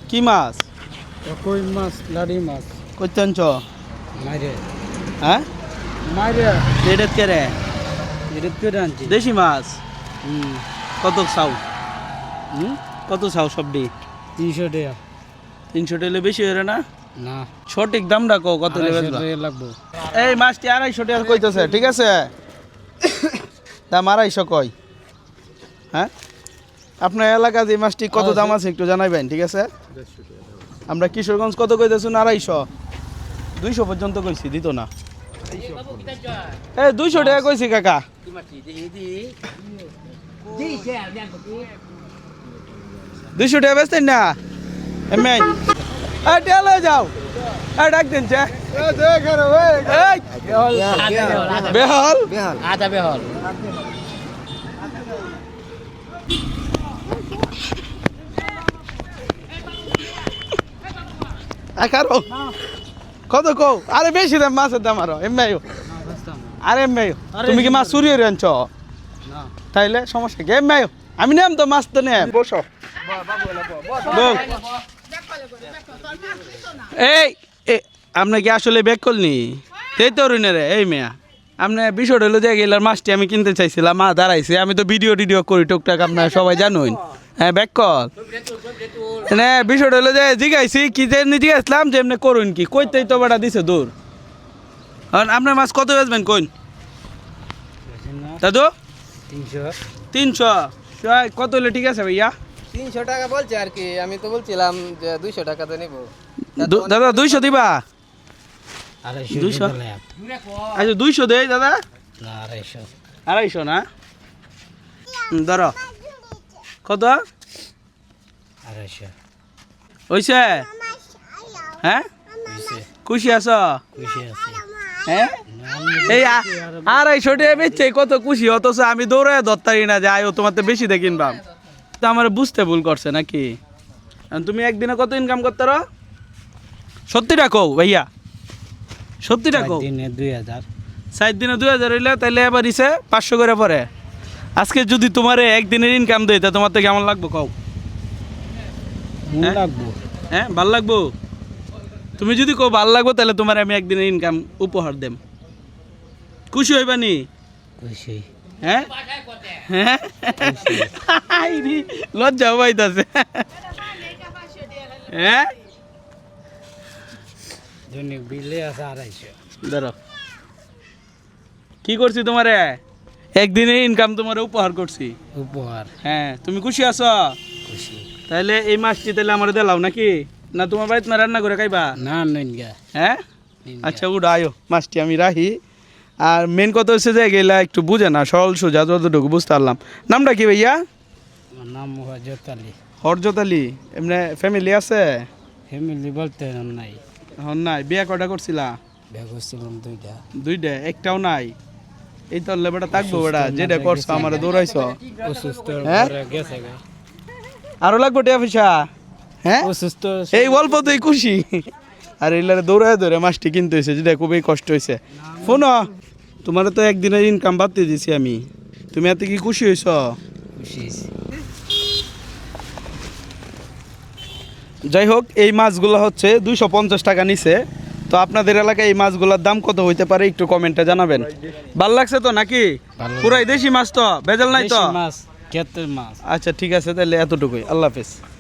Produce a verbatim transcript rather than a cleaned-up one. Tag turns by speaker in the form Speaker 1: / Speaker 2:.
Speaker 1: কি মাছ?
Speaker 2: কই মাছ, লাড়ি মাছ।
Speaker 1: কইতে আনছ?
Speaker 2: মাইরে।
Speaker 1: হ্যাঁ
Speaker 2: মাইরে।
Speaker 1: এটা কে রে?
Speaker 2: এটা কেটে আনছি।
Speaker 1: দেশি মাছ।
Speaker 2: হুম।
Speaker 1: কত চাও?
Speaker 2: হুম
Speaker 1: কত চাও সবডি?
Speaker 2: তিনশো টাকা।
Speaker 1: তিনশো টাকা বেশি হয়ে না?
Speaker 2: না।
Speaker 1: সঠিক দামটা কো কত লেবেলবা?
Speaker 2: লাগবো।
Speaker 1: এই মাছটি আড়াইশো টাকা কইতেছে, ঠিক আছে? দাম আড়াইশো কয়। হ্যাঁ আপনার এলাকা যে মাছটি কত দাম আছে একটু জানাইবেন, ঠিক আছে? আমরা কিশোরগঞ্জ কত কইতেছুন? আড়াইশো দুইশো পর্যন্ত কইছি, দিত না। এই দুইশো টাকা কইছি কাকা। দুইশো টাকা বেচতেন না এমনি? এই টেলে যাও, এই ডাক দিন চে বেহল
Speaker 2: আধা বেহল।
Speaker 1: আকারো কত কও? আরে বেশি দাম মাছের দাম আরো এমনি। আরে এমনি তুমি কি মাছ চুরি করে আনছ? তাইলে সমস্যা কি? এমনি আমি নেম তো মাছ তো নেম। বসো এই আপনি কি আসলে ব্যাক করলি? এই তো রে এই মেয়া আপনি বিষয়টা হলো যে গেলার মাছটি আমি কিনতে চাইছিলাম, মা দাঁড়াইছে। আমি তো ভিডিও টিডিও করি টুকটাক, আপনার সবাই জানুন। হ্যাঁ ব্যাক কল না, বিষয়টা হলো যে জিগাইছি কি যে জিগাইছিলাম যে এমনি করুন কি কইতেই তো বেটা দিছে দূর। আপনার মাছ কত বেচবেন কোন দাদু?
Speaker 2: তিনশো।
Speaker 1: তিনশো কত হলে ঠিক আছে ভাইয়া?
Speaker 3: তিনশো টাকা বলছে আর কি, আমি তো বলছিলাম যে দুইশো টাকা তো নিবো।
Speaker 1: দাদা দুইশো দিবা?
Speaker 2: আড়াইশো।
Speaker 1: দুইশো আচ্ছা দুইশো দেই দাদা।
Speaker 2: না আড়াইশো।
Speaker 1: আড়াইশো না? ধরো কত?
Speaker 2: আড়াইশো।
Speaker 1: হইছে? হ্যাঁ খুশি আছো?
Speaker 2: খুশি আছে।
Speaker 1: হ্যাঁ এই আড়াইশো টাকা বেচছে কত খুশি, অথচ আমি দৌড়ে ধরতারি না যে আয়ো তোমার তো বেশি দিয়ে কিনবাম। তো আমার বুঝতে ভুল করছে নাকি? তুমি একদিনে কত ইনকাম করতে পারো? সত্যিটা কও ভাইয়া, সত্যিটা কও।
Speaker 2: দিনে দুই হাজার।
Speaker 1: সাত দিনে দুই হাজার হইলে তাহলে এবার ইসে পাঁচশো করে পরে। আজকে যদি তোমার একদিনের ইনকাম দেয় তা তোমার তো কেমন লাগবো কও?
Speaker 2: মন লাগবো।
Speaker 1: হ্যাঁ ভাল লাগবো। তুমি যদি কও ভাল লাগবো তাহলে তোমার আমি একদিনের ইনকাম উপহার দেম। খুশি হইবা নি?
Speaker 2: খুশি।
Speaker 1: হ্যাঁ হ্যাঁ লজ্জা পাইতাছে। হ্যাঁ
Speaker 2: দৈনিক বিলে আছে আড়াইশো।
Speaker 1: ধরো কি করছি তোমারে? একদিনের ইনকাম তোমার উপহার করছি।
Speaker 2: উপহার।
Speaker 1: হ্যাঁ তুমি খুশি আছো?
Speaker 2: খুশি।
Speaker 1: তাহলে এই মাছটি তাহলে আমার দিলাও নাকি? না তোমার বাড়িতে রান্না করে খাইবা?
Speaker 2: না নইন গা।
Speaker 1: হ্যাঁ আচ্ছা উঠো আয়ো, মাছটি আমি রাখি। আর মেন কথা হচ্ছে যে গেলা একটু বুঝে না, সরল সোজা যতটুকু বুঝতে পারলাম। নামটা কি ভাইয়া?
Speaker 2: আমার নাম হজরত আলী।
Speaker 1: হরজত আলী। এমনি ফ্যামিলি আছে?
Speaker 2: ফ্যামিলি বলতে নাই।
Speaker 1: হন নাই। বিয়া কয়টা করছিলা?
Speaker 2: বিয়ে করছিলাম দুইটা।
Speaker 1: দুইটা? একটাও নাই? এই তো বেটা থাকবো বেটা, যেটা করছো আমার দৌড়াইছ।
Speaker 2: অসুস্থ
Speaker 1: হ্যাঁ
Speaker 2: গেছে গা।
Speaker 1: আরো লাগবো টিয়া পয়সা? হ্যাঁ
Speaker 2: অসুস্থ।
Speaker 1: এই অল্প তুই খুশি? আর এইলারে দৌড়ায় ধরে মাছটি কিনতে হয়েছে, যেটা খুবই কষ্ট হয়েছে। শোন তোমার তো একদিনের ইনকাম বাড়তে দিছি আমি, তুমি এত কি খুশি হয়েছ?
Speaker 2: খুশি।
Speaker 1: যাই হোক এই মাছগুলো হচ্ছে দুইশো পঞ্চাশ টাকা নিছে। তো আপনাদের এলাকায় এই মাছগুলোর দাম কত হইতে পারে একটু কমেন্টে জানাবেন। ভাল লাগছে তো নাকি? পুরাই দেশি মাছ তো, ভেজাল নাই তো?
Speaker 2: মাছ, ক্ষেতের মাছ।
Speaker 1: আচ্ছা ঠিক আছে তাহলে এতটুকুই, আল্লাহ হাফেজ।